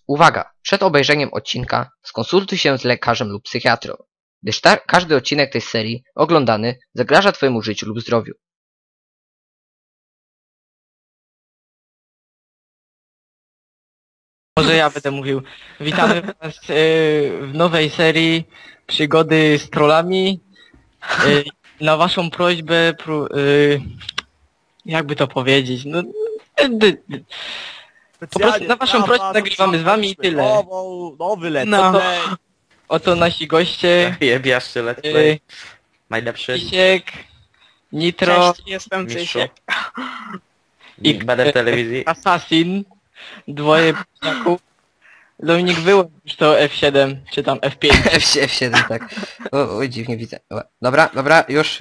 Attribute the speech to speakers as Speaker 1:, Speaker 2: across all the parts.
Speaker 1: Uwaga! Przed obejrzeniem odcinka skonsultuj się z lekarzem lub psychiatrą, gdyż każdy odcinek tej serii oglądany zagraża Twojemu życiu lub zdrowiu.
Speaker 2: Może ja będę mówił. Witamy Was w nowej serii Przygody z trollami. Na Waszą prośbę, jakby to powiedzieć, no, po prostu na Waszą prośbę nagrywamy z Wami i tyle.
Speaker 3: Nowy let's
Speaker 2: No.
Speaker 3: play.
Speaker 2: Oto nasi goście.
Speaker 4: Jebiaszczy let's play. Najlepszy.
Speaker 2: Cysiek, Nitro,
Speaker 5: Cześć, jestem
Speaker 4: Mistrzu.
Speaker 5: Cysiek.
Speaker 4: I będę w telewizji.
Speaker 2: Assassin, dwoje p***aków. Dominik wyłącz już to F7, czy tam F5.
Speaker 1: F7, tak. Oj, dziwnie widzę. Dobra, już.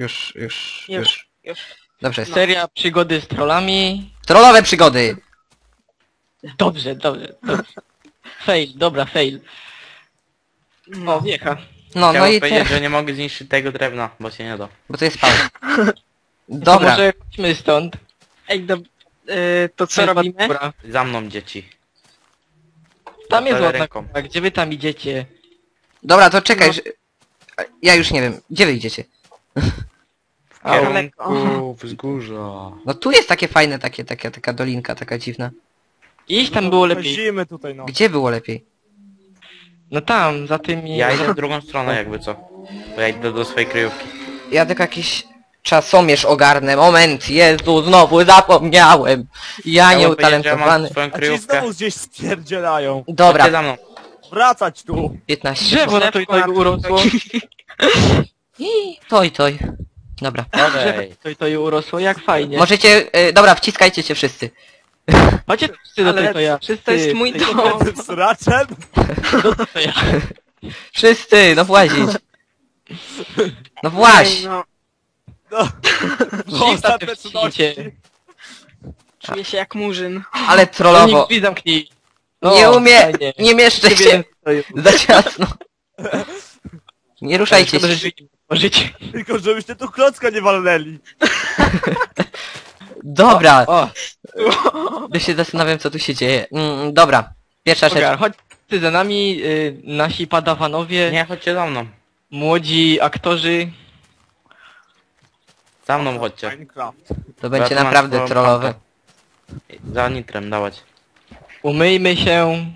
Speaker 1: Dobrze jest.
Speaker 2: Seria Przygody z trollami.
Speaker 1: Trollowe przygody!
Speaker 2: Dobrze. Fail, dobra, fail. O, wiecha.
Speaker 1: No
Speaker 4: Chciałem
Speaker 1: i
Speaker 4: powiedzieć,
Speaker 1: te...
Speaker 4: że nie mogę zniszczyć tego drewna, bo się nie da.
Speaker 1: Bo to jest pauz.
Speaker 2: To
Speaker 1: Dobra.
Speaker 2: może chodźmy stąd.
Speaker 5: Ej, to co
Speaker 2: jest
Speaker 5: robimy?
Speaker 2: góra.
Speaker 4: Za mną dzieci.
Speaker 2: Tam jest
Speaker 4: Ale
Speaker 2: ładna
Speaker 4: ręką.
Speaker 2: góra, gdzie wy tam idziecie?
Speaker 1: Dobra, to czekaj, że... Ja już nie wiem. Gdzie wy idziecie?
Speaker 4: W
Speaker 2: Au.
Speaker 4: kierunku wzgórza.
Speaker 1: No tu jest takie fajne, taka dolinka, taka dziwna.
Speaker 2: Iść tam było lepiej.
Speaker 3: Chodzimy tutaj, no.
Speaker 1: Gdzie było lepiej?
Speaker 2: No tam, za tymi...
Speaker 4: Ja idę w drugą stronę jakby co. Bo ja idę do swojej kryjówki.
Speaker 1: Ja tylko jakiś czasomierz ogarnę. Moment, Jezu, znowu zapomniałem. Ja
Speaker 4: Chciałem powiedzieć, że ja mam
Speaker 1: nieutalentowany.
Speaker 4: swoją
Speaker 3: A ci
Speaker 4: kryjówkę.
Speaker 3: znowu gdzieś spierdzielają.
Speaker 4: Chodźcie
Speaker 1: Dobra,
Speaker 4: za mną.
Speaker 3: Wracać tu.
Speaker 1: 15
Speaker 2: Drzewo na to i to urosło.
Speaker 1: Toj. Dobra.
Speaker 4: Okej.
Speaker 2: To i urosło, jak fajnie.
Speaker 1: Możecie... dobra, wciskajcie się wszyscy.
Speaker 2: Chodźcie wszyscy do
Speaker 5: Ale
Speaker 2: to ja. Wszyscy.
Speaker 5: to jest mój dom.
Speaker 3: Tym sraczem.
Speaker 2: To ja.
Speaker 1: Wszyscy, no włazić. No właź.
Speaker 5: Ej, no,
Speaker 3: No.
Speaker 2: Shifta
Speaker 3: Ostatnie
Speaker 2: też
Speaker 3: cudowności.
Speaker 2: wciśnijcie.
Speaker 5: czuję się jak murzyn.
Speaker 1: Ale trollowo.
Speaker 2: Dominik, drzwi zamknij.
Speaker 1: Nie umie,
Speaker 2: fajnie.
Speaker 1: nie mieszczę
Speaker 2: Ciebie
Speaker 1: się.
Speaker 2: stoją.
Speaker 1: Za ciasno. Nie ruszajcie
Speaker 2: Szkoda, że
Speaker 1: się.
Speaker 2: drzwi nie otworzyć.
Speaker 3: Tylko żebyście tu klocka nie walnęli.
Speaker 1: Dobra,
Speaker 2: O,
Speaker 1: ja się zastanawiam, co tu się dzieje. Dobra, pierwsza rzecz.
Speaker 2: Ogar, chodźcie za nami, nasi padawanowie,
Speaker 4: Nie, chodźcie za mną.
Speaker 2: młodzi aktorzy.
Speaker 4: Za mną chodźcie.
Speaker 3: Minecraft.
Speaker 1: To będzie
Speaker 4: Ja tu mam
Speaker 1: naprawdę
Speaker 4: swoją
Speaker 1: trollowe.
Speaker 4: kampę. Za nitrem dawać.
Speaker 2: Umyjmy się.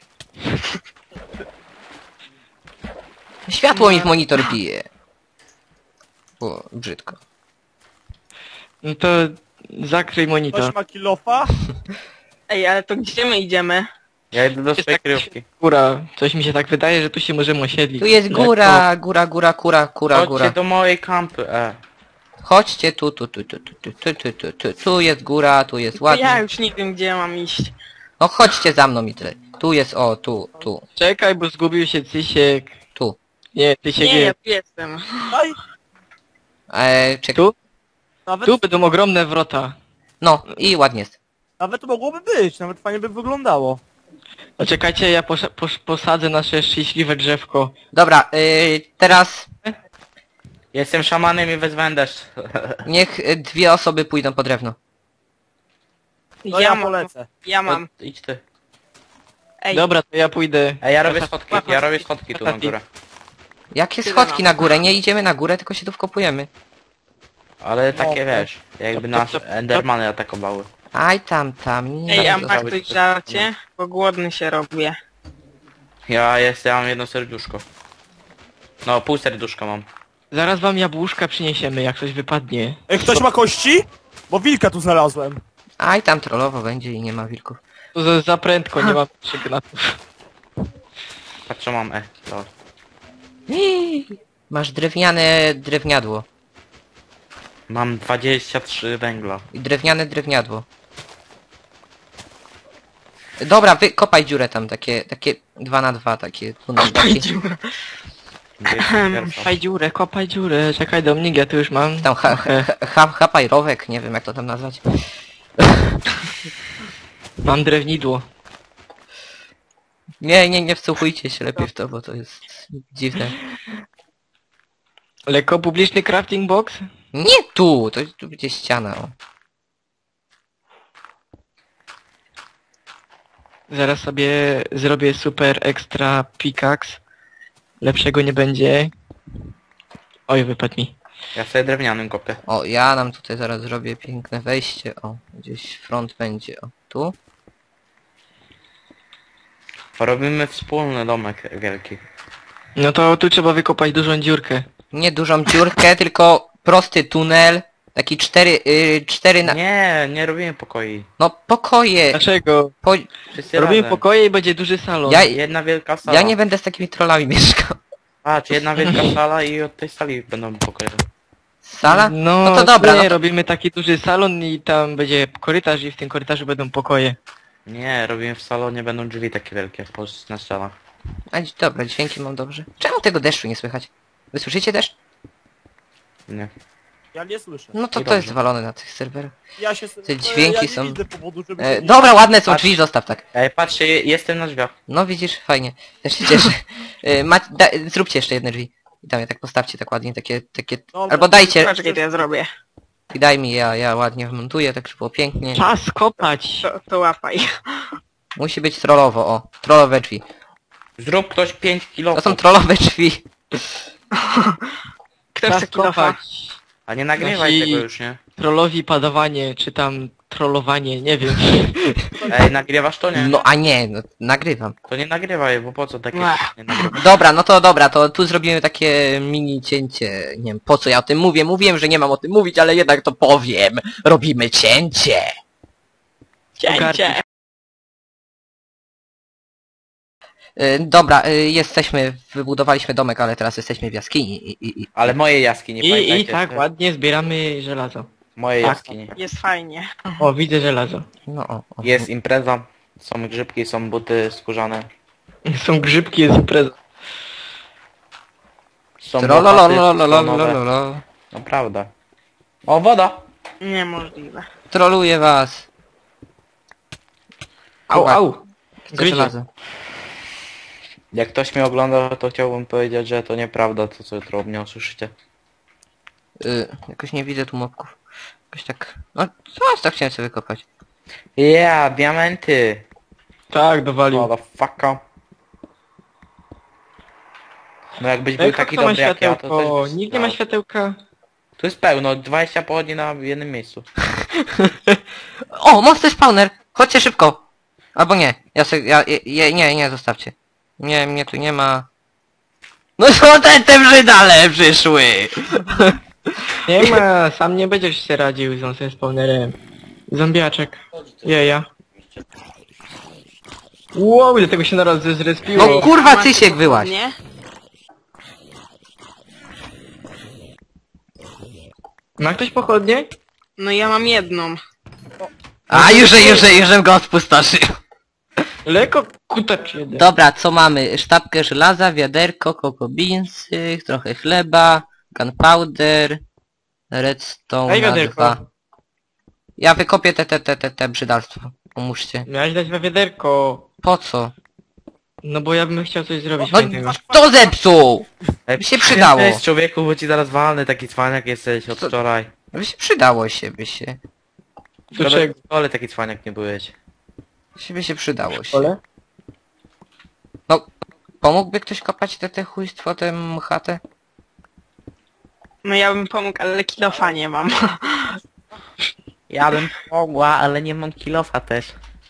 Speaker 1: Światło mi w monitor bije. O, brzydko.
Speaker 2: No to zakryj monitor.
Speaker 3: Ktoś ma kilofa?
Speaker 5: Ej, ale to gdzie my idziemy?
Speaker 4: Ja idę do
Speaker 2: Jest
Speaker 4: swojej
Speaker 2: tak-
Speaker 4: kryjówki.
Speaker 2: Góra. Coś mi się tak wydaje, że tu się możemy osiedlić.
Speaker 1: Tu jest
Speaker 2: Jak
Speaker 1: góra.
Speaker 4: Chodźcie do mojej kampy,
Speaker 1: Chodźcie tu. Tu jest góra, tu jest
Speaker 5: To ja
Speaker 1: ładnie.
Speaker 5: już nie wiem, gdzie mam iść.
Speaker 1: No chodźcie za mną i tyle. Tu jest, o, tu.
Speaker 2: Czekaj, bo zgubił się Cysiek.
Speaker 1: Tu.
Speaker 2: Nie, Cysiek
Speaker 5: Nie, ja
Speaker 2: jest.
Speaker 5: tu jestem.
Speaker 3: Daj.
Speaker 1: Czekaj.
Speaker 2: Tu?
Speaker 3: Nawet,
Speaker 2: Tu będą ogromne wrota.
Speaker 1: No i ładnie jest.
Speaker 3: nawet mogłoby być, nawet fajnie by wyglądało.
Speaker 2: No czekajcie, ja posadzę nasze szczęśliwe drzewko.
Speaker 1: Dobra, teraz
Speaker 4: Jestem szamanem i wezwałem deszcz.
Speaker 1: niech dwie osoby pójdą po drewno.
Speaker 3: No ja polecę.
Speaker 5: Ja mam.
Speaker 4: Idź ty.
Speaker 5: Ej,
Speaker 2: Dobra, to ja pójdę.
Speaker 4: Ja robię schodki tu na górę.
Speaker 1: Jakie
Speaker 5: Tyle
Speaker 1: schodki
Speaker 5: mam.
Speaker 1: na górę? Nie idziemy na górę, tylko się tu wkopujemy.
Speaker 4: Ale takie
Speaker 3: No.
Speaker 4: wiesz, jakby nas endermany atakowały.
Speaker 1: Aj tam.
Speaker 5: ej, a
Speaker 4: to
Speaker 5: masz
Speaker 4: zrobić
Speaker 5: coś żarcie? Bo głodny się robię.
Speaker 4: Ja mam jedno serduszko. No, pół serduszka mam.
Speaker 2: Zaraz wam jabłuszka przyniesiemy, jak coś wypadnie.
Speaker 3: Ej, ktoś ma kości? Bo wilka tu znalazłem.
Speaker 1: Aj tam trollowo będzie i nie ma wilków.
Speaker 2: To za prędko, nie mam sygnatów.
Speaker 4: Patrz co mam, to.
Speaker 1: Masz drewniane drewniadło.
Speaker 4: Mam 23 węgla.
Speaker 1: I drewniane drewniadło. Dobra, wykopaj dziurę tam, takie 2 na 2, takie tunel.
Speaker 5: Kopaj dziurę.
Speaker 2: Kopaj dziurę, czekaj Dominik, ja tu już mam.
Speaker 1: Tam hapajrowek, nie wiem jak to tam nazwać.
Speaker 2: Mam drewnidło.
Speaker 1: Nie wsłuchujcie się lepiej w to, bo to jest dziwne.
Speaker 2: Lekko publiczny crafting box?
Speaker 1: Nie tu, tu będzie ściana. O.
Speaker 2: Zaraz sobie zrobię super ekstra pickaxe. Lepszego nie będzie. Oj, wypadł mi.
Speaker 4: Ja sobie drewnianym kopię.
Speaker 1: O, ja nam tutaj zaraz zrobię piękne wejście. O, gdzieś front będzie. O, tu.
Speaker 4: Robimy wspólny domek wielki.
Speaker 2: No to tu trzeba wykopać dużą dziurkę.
Speaker 1: Nie dużą dziurkę, tylko prosty tunel. Taki cztery na...
Speaker 4: Nie robimy pokoi.
Speaker 1: No, pokoje.
Speaker 2: Dlaczego?
Speaker 1: Po...
Speaker 4: Wszyscy
Speaker 2: Robimy
Speaker 4: razem.
Speaker 2: pokoje i będzie duży salon.
Speaker 1: Ja-
Speaker 4: Jedna wielka sala.
Speaker 1: Ja nie będę z takimi trollami mieszkał.
Speaker 4: Patrz, jedna wielka sala i od tej sali będą pokoje.
Speaker 1: Sala?
Speaker 2: No,
Speaker 1: No to dobra,
Speaker 2: nie,
Speaker 1: no to-
Speaker 2: robimy taki duży salon i tam będzie korytarz i w tym korytarzu będą pokoje.
Speaker 4: Nie, robimy w salonie, będą drzwi takie wielkie na ścianach.
Speaker 1: Dobra, dźwięki mam dobrze. Czemu tego deszczu nie słychać? Wy słyszycie deszcz?
Speaker 4: Nie.
Speaker 3: Ja nie słyszę.
Speaker 1: No to
Speaker 4: I
Speaker 1: to jest
Speaker 4: dobrze.
Speaker 1: walone na tych serwerach.
Speaker 3: Ja się...
Speaker 1: Te dźwięki
Speaker 3: ja nie
Speaker 1: są-
Speaker 3: widzę powodu, żeby...
Speaker 1: Dobra, ładne są
Speaker 4: Patrz.
Speaker 1: drzwi, zostaw tak.
Speaker 4: Ej, patrzcie, jestem na drzwiach.
Speaker 1: No widzisz, fajnie. Też się cieszę. Zróbcie jeszcze jedne drzwi. I tam je tak postawcie, tak ładnie, takie...
Speaker 3: Dobra.
Speaker 1: Albo dajcie...
Speaker 5: Poczekaj, to ja zrobię.
Speaker 1: I daj mi, ja ładnie wmontuję, tak żeby było pięknie.
Speaker 2: Czas kopać!
Speaker 5: To łapaj.
Speaker 1: Musi być trollowo, o. Trollowe drzwi.
Speaker 4: Zrób ktoś 5 kilo.
Speaker 1: To są trollowe drzwi.
Speaker 5: Kto
Speaker 2: Czas
Speaker 5: chce kilofa?
Speaker 2: kopać!
Speaker 4: A nie nagrywaj
Speaker 2: Nasi-
Speaker 4: tego już, nie?
Speaker 2: Trollowi padawanie, czy tam trollowanie, nie wiem.
Speaker 4: Ej, nagrywasz to nie?
Speaker 1: No a nie, no, nagrywam.
Speaker 4: To nie nagrywaj, bo po co takie
Speaker 5: Ech.
Speaker 4: nie nagrywać?
Speaker 1: Dobra, to tu zrobimy takie mini cięcie. Nie wiem, po co ja o tym mówię. Mówiłem, że nie mam o tym mówić, ale jednak to powiem. Robimy cięcie.
Speaker 5: Cięcie.
Speaker 1: Dobra, wybudowaliśmy domek, ale teraz jesteśmy w jaskini i
Speaker 4: Ale moje jaskini,
Speaker 2: I
Speaker 4: pamiętajcie.
Speaker 2: tak
Speaker 4: że-
Speaker 2: ładnie zbieramy żelazo.
Speaker 4: Moje
Speaker 2: Tak.
Speaker 4: jaskini.
Speaker 5: Jest fajnie.
Speaker 2: O, widzę żelazo.
Speaker 1: no o.
Speaker 4: Jest impreza, są grzybki, są buty skórzane.
Speaker 2: Są grzybki, jest impreza.
Speaker 4: Są łopaty stonowe.
Speaker 1: Trolololololololololol.
Speaker 4: Naprawdę. O, woda!
Speaker 5: Niemożliwe.
Speaker 1: Troluję was.
Speaker 2: Au, au!
Speaker 1: Chcę
Speaker 2: Gryzie.
Speaker 1: żelazo.
Speaker 4: Jak ktoś mnie ogląda, to chciałbym powiedzieć, że to nieprawda, to co jutro mnie usłyszycie.
Speaker 1: Jakoś nie widzę tu mobków. Jakoś tak... No, coś tak chciałem sobie wykopać.
Speaker 4: Yeah, diamenty!
Speaker 2: Tak, dowalił.
Speaker 4: Motherfucker. No jakbyś był
Speaker 2: Ej,
Speaker 4: taki
Speaker 2: kto ma
Speaker 4: dobry jak ja, to
Speaker 2: światełko?
Speaker 4: też...
Speaker 2: Nikt nie ma światełka.
Speaker 4: Tu jest pełno, 20 pochodni na jednym miejscu.
Speaker 1: O, monster spawner! Chodźcie szybko! Albo nie. Nie, zostawcie. Nie, mnie tu nie ma. No co te brzydale przyszły!
Speaker 2: Nie ma, sam nie będziesz się radził z nocnym spawnerem. Zombiaczek. Jeja. Wow, ile tego się naraz zrespiło.
Speaker 1: No kurwa,
Speaker 5: Macie
Speaker 1: Cysiek wyłaź!
Speaker 5: pochodnie?
Speaker 2: Ma ktoś pochodnie?
Speaker 5: No ja mam jedną.
Speaker 1: A, już go spustoszył.
Speaker 2: Lekko kutacz jeden.
Speaker 1: Dobra, co mamy? Sztabkę żelaza, wiaderko, cocoa beansy, trochę chleba, gunpowder, redstone
Speaker 2: Daj
Speaker 1: na
Speaker 2: wiaderko.
Speaker 1: 2. Ja wykopię te brzydalstwo. Pomóżcie.
Speaker 2: Miałeś dać we wiaderko.
Speaker 1: Po co?
Speaker 2: No bo ja bym chciał coś zrobić
Speaker 1: No,
Speaker 2: fajnego.
Speaker 1: kto zepsuł?
Speaker 4: Ej,
Speaker 1: By się przydało.
Speaker 4: Cześć człowieku, bo ci zaraz walny, taki cwaniak jesteś od
Speaker 1: Co?
Speaker 4: wczoraj.
Speaker 1: By się przydało się, by się.
Speaker 2: Do czego?
Speaker 4: Ale taki cwaniak nie byłeś.
Speaker 1: By się przydało się.
Speaker 2: Ole?
Speaker 1: No, pomógłby ktoś kopać te chujstwo, tę chatę?
Speaker 5: No ja bym pomógł, ale kilofa nie mam.
Speaker 4: Ja bym pomogła, ale nie mam kilofa też.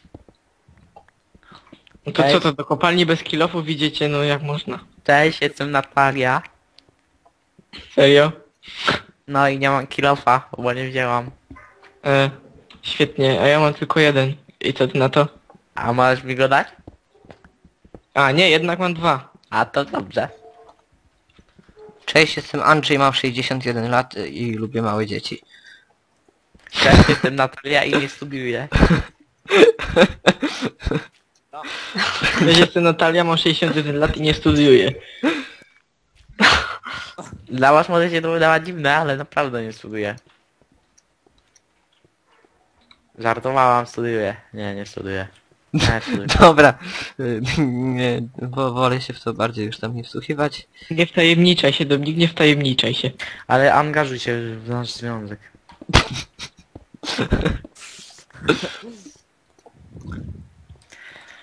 Speaker 2: No to
Speaker 4: Ej.
Speaker 2: co to, do kopalni bez kilofów widzicie, no jak można?
Speaker 4: Cześć, jestem Natalia.
Speaker 2: Serio?
Speaker 4: No i nie mam kilofa, bo nie wzięłam.
Speaker 2: Świetnie, a ja mam tylko jeden. I co ty na to?
Speaker 4: A możesz mi go dać?
Speaker 2: A nie, jednak mam 2.
Speaker 4: A to dobrze.
Speaker 1: Cześć, jestem Andrzej, mam 61 lat i lubię małe dzieci.
Speaker 4: Cześć, jestem Natalia i nie studiuję.
Speaker 2: Ja jestem Natalia, mam 61 lat i nie studiuję.
Speaker 4: Dla was może się to wydawać dziwne, ale naprawdę nie studiuję. Żartowałam, studiuję. Nie studiuję. Nie studiuję.
Speaker 1: Dobra, nie, wolę się w to bardziej już tam nie wsłuchiwać.
Speaker 2: Nie wtajemniczaj się, Dominik, nie wtajemniczaj się.
Speaker 4: Ale angażuj się w nasz związek.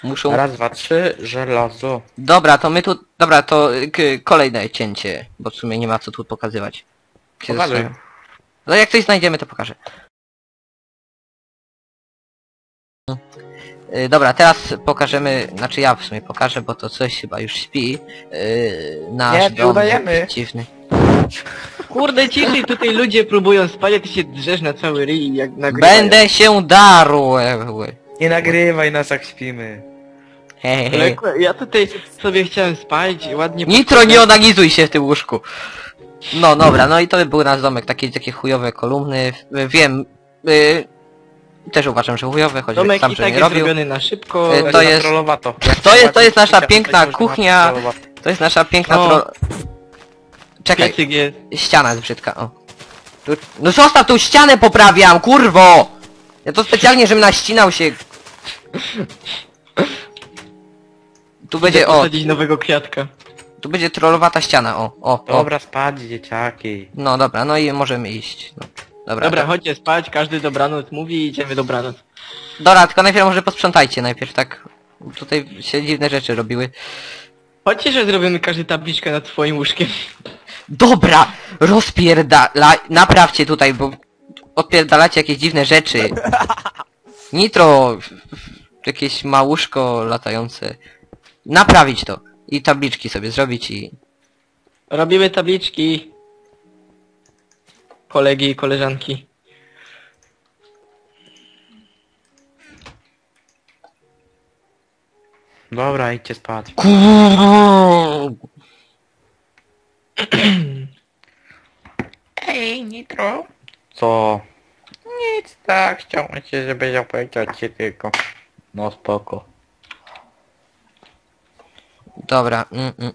Speaker 1: Muszą...
Speaker 4: Raz, dwa, trzy, żelazo.
Speaker 1: Dobra, to my tu... Dobra, to kolejne cięcie, bo w sumie nie ma co tu pokazywać. Się
Speaker 4: Pokazuj.
Speaker 1: zastanawiam. No jak coś znajdziemy, to pokażę. Dobra, teraz pokażemy, znaczy ja w sumie pokażę, bo to coś chyba już śpi. Nasz
Speaker 4: Nie,
Speaker 1: dom
Speaker 4: udajemy.
Speaker 1: dziwny.
Speaker 2: Kurde, ciszej, tutaj ludzie próbują spać, a ty się drzesz na cały ryj, jak nagrywają.
Speaker 1: Będę się darł!
Speaker 4: Nie nagrywaj nas jak śpimy.
Speaker 1: Hej, hej.
Speaker 2: Ale ja tutaj sobie chciałem spać, ładnie...
Speaker 1: Nitro, nie onanizuj się w tym łóżku! No dobra, no i to by był nasz domek, takie chujowe kolumny. Wiem, też uważam, że chujowe, choć
Speaker 2: Domek
Speaker 1: sam,
Speaker 2: i
Speaker 1: że
Speaker 2: tak
Speaker 1: nie
Speaker 2: jest
Speaker 1: robił.
Speaker 2: zrobiony na szybko.
Speaker 1: To jest- to jest nasza piękna kuchnia. To jest nasza piękna
Speaker 2: O.
Speaker 1: Czekaj,
Speaker 2: Piecyk jest.
Speaker 1: ściana jest brzydka, o. No zostaw tą ścianę, poprawiam, kurwo! Ja to specjalnie, żebym naścinał się. Tu będzie, o,
Speaker 2: Posadzić nowego kwiatka.
Speaker 1: tu będzie trollowata ściana, o.
Speaker 4: Dobra, spać dzieciaki.
Speaker 1: No dobra, no i możemy iść. No. Dobra,
Speaker 2: Dobra,
Speaker 1: to-
Speaker 2: chodźcie spać, każdy dobranoc mówi i idziemy dobranoc.
Speaker 1: Dobra, tylko najpierw może posprzątajcie najpierw, tak. Tutaj się dziwne rzeczy robiły.
Speaker 2: Chodźcie, że zrobimy każdy tabliczkę nad swoim łóżkiem.
Speaker 1: Dobra, naprawcie tutaj, bo odpierdalacie jakieś dziwne rzeczy. Nitro, jakieś małuszko latające. Naprawić to. I tabliczki sobie zrobić i...
Speaker 2: Robimy tabliczki. Kolegi i koleżanki.
Speaker 4: Dobra, idźcie spać. Ej, Nitro. Co? Nic, tak, chciałem cię, żebyś opowiedział ci tylko. No spoko.
Speaker 1: Dobra,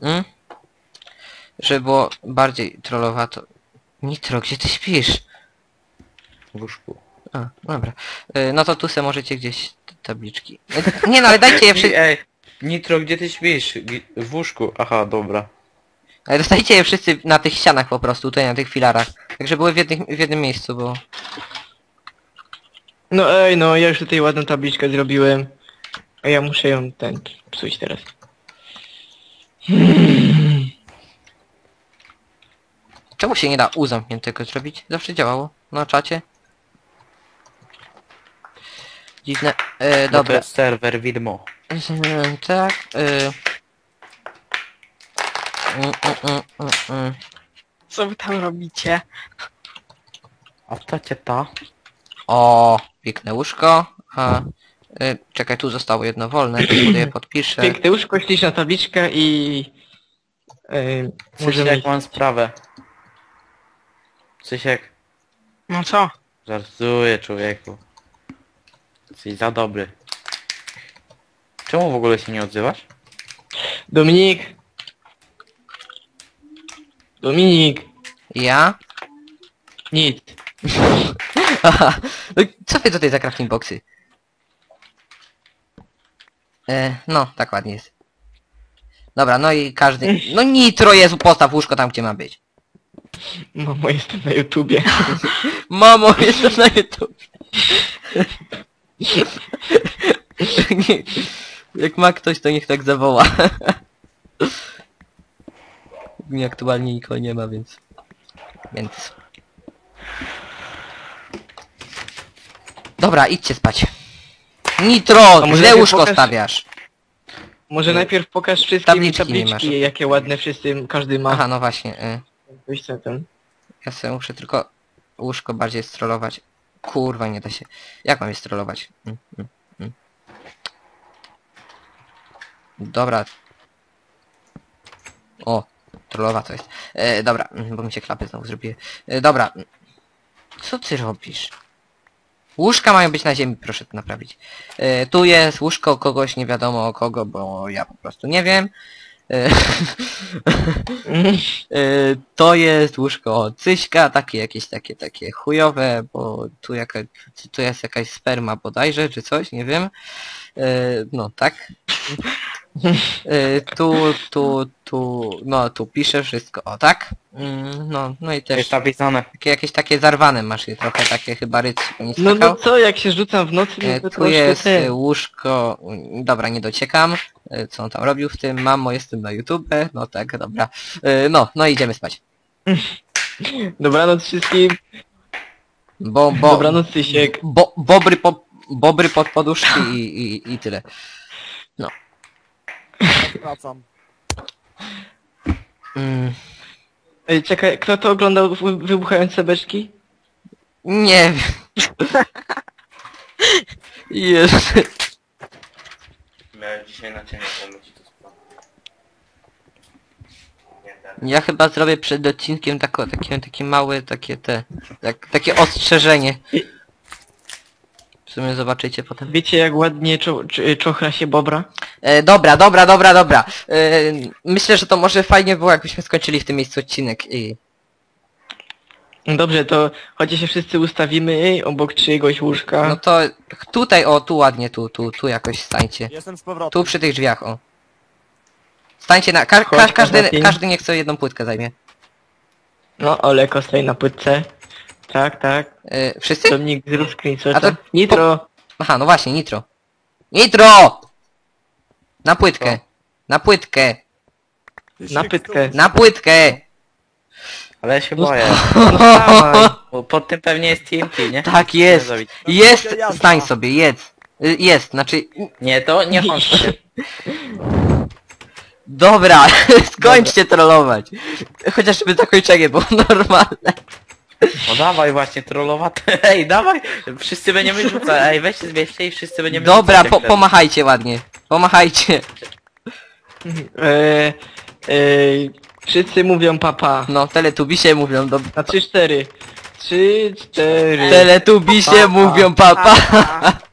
Speaker 1: żeby było bardziej trollowato. Nitro, gdzie ty śpisz?
Speaker 4: W łóżku.
Speaker 1: A, dobra. No to tu se możecie gdzieś te tabliczki. Nie no, ale dajcie je wszyscy...
Speaker 4: Ej, Nitro, gdzie ty śpisz? W łóżku. Aha, dobra.
Speaker 1: Ale dostajcie je wszyscy na tych ścianach po prostu, tutaj na tych filarach. Tak, żeby były w jednym miejscu, bo...
Speaker 2: No ej, no ja już tutaj ładną tabliczkę zrobiłem. A ja muszę ją psuć teraz.
Speaker 1: Czemu się nie da U zamkniętego zrobić? Zawsze działało na czacie. Dziwne.
Speaker 4: No to
Speaker 1: Dobra.
Speaker 4: jest serwer widmo.
Speaker 1: Tak.
Speaker 5: Co wy tam robicie?
Speaker 4: A to cię ta?
Speaker 1: O, piękne łóżko. A, czekaj, tu zostało jedno wolne, to sobie je podpiszę.
Speaker 2: Piękne łóżko, śliczna tabliczka i...
Speaker 4: Możemy jak mam sprawę. Cysiek,
Speaker 5: No co?
Speaker 4: żartuję człowieku. Jesteś za dobry. Czemu w ogóle się nie odzywasz?
Speaker 2: Dominik! Dominik!
Speaker 1: Ja?
Speaker 2: Nic.
Speaker 1: Aha. No, co wy tutaj za crafting boxy? No, tak ładnie jest. Dobra, no i każdy... No Nitro, Jezu, postaw łóżko tam, gdzie ma być.
Speaker 2: Mamo, jestem na YouTubie.
Speaker 1: Mamo, jestem na YouTube. Nie, jak ma ktoś, to niech tak zawoła. Nie, aktualnie nikogo nie ma, więc... Dobra, idźcie spać. Nitro,
Speaker 2: może
Speaker 1: źle
Speaker 2: najpierw
Speaker 1: łóżko
Speaker 2: pokaż-
Speaker 1: stawiasz.
Speaker 2: Może najpierw pokaż wszystkim
Speaker 1: Tabliczki nie masz.
Speaker 2: tabliczki, jakie ładne wszyscy, każdy ma.
Speaker 1: Aha, no właśnie.
Speaker 2: Coś co tam.
Speaker 1: Ja sobie muszę tylko łóżko bardziej strollować. Kurwa, nie da się. Jak mam je strollować? Dobra. O, trollowa to jest. Dobra, bo mi się klapy znowu zrobiły. Dobra. Co ty robisz? Łóżka mają być na ziemi, proszę to naprawić. Tu jest łóżko kogoś, nie wiadomo kogo, bo ja po prostu nie wiem. To jest łóżko Cyśka, takie jakieś takie chujowe, bo tu jest jakaś sperma bodajże, czy coś, nie wiem. No tak. No, tu piszę wszystko, o tak? No i też
Speaker 4: Jest napisane.
Speaker 1: jakieś takie zarwane masz je trochę, takie chyba ryc nie
Speaker 2: No
Speaker 1: skakał.
Speaker 2: co, jak się rzucam w nocy, no to
Speaker 1: Tu
Speaker 2: troszkę
Speaker 1: jest
Speaker 2: ten.
Speaker 1: łóżko, dobra, nie dociekam. Co on tam robił w tym? Mamo, jestem na YouTube. No tak, dobra. No idziemy spać.
Speaker 2: Dobranoc wszystkim. Dobranoc Tysiek.
Speaker 1: Bobry pod poduszki i tyle.
Speaker 3: Wracam.
Speaker 1: Mm,
Speaker 2: Ej, czekaj, kto to oglądał wybuchające beczki?
Speaker 1: nie wiem. Jest.
Speaker 4: Miałem dzisiaj na ciebie pomyśleć to sprawę.
Speaker 1: Ja chyba zrobię przed odcinkiem takie małe, takie ostrzeżenie. W sumie zobaczycie potem.
Speaker 2: Wiecie jak ładnie czochra się bobra?
Speaker 1: Dobra. Myślę, że to może fajnie było, jakbyśmy skończyli w tym miejscu odcinek i...
Speaker 2: No dobrze, to chodźcie się wszyscy ustawimy obok czyjegoś łóżka.
Speaker 1: No to tutaj, o, tu ładnie, tu jakoś stańcie.
Speaker 3: Jestem z powrotem.
Speaker 1: Tu przy tych drzwiach, o. Stańcie na...
Speaker 2: Chodź, Konstantin.
Speaker 1: Każdy niech sobie jedną płytkę zajmie.
Speaker 2: No, Oleko stoi na płytce. Tak.
Speaker 1: Wszyscy?
Speaker 2: Domnik zrób
Speaker 1: A
Speaker 2: screenshota.
Speaker 1: to-
Speaker 2: Nitro!
Speaker 1: Aha, no właśnie, nitro. Nitro! Na płytkę. Na płytkę.
Speaker 2: Na pytkę.
Speaker 1: Na płytkę!
Speaker 4: Ale ja się boję.
Speaker 2: No dawaj.
Speaker 4: Bo pod tym pewnie jest TNT, nie?
Speaker 1: Tak jest.
Speaker 4: Zrobić.
Speaker 1: Jest! Stań sobie, jedz. Jest, znaczy...
Speaker 4: Nie, to nie on.
Speaker 1: Dobra, skończcie trollować. Chociażby zakończenie było normalne.
Speaker 4: No dawaj właśnie, trollowate. Ej, dawaj! Wszyscy będziemy rzucać. Ej, weź się zbierzcie i wszyscy będziemy
Speaker 1: Dobra,
Speaker 4: rzucać.
Speaker 1: pomachajcie ładnie. Pomachajcie.
Speaker 2: Wszyscy mówią papa.
Speaker 1: No, teletubisie mówią do...
Speaker 2: Na 3-4. 3-4.
Speaker 1: Teletubisie mówią papa.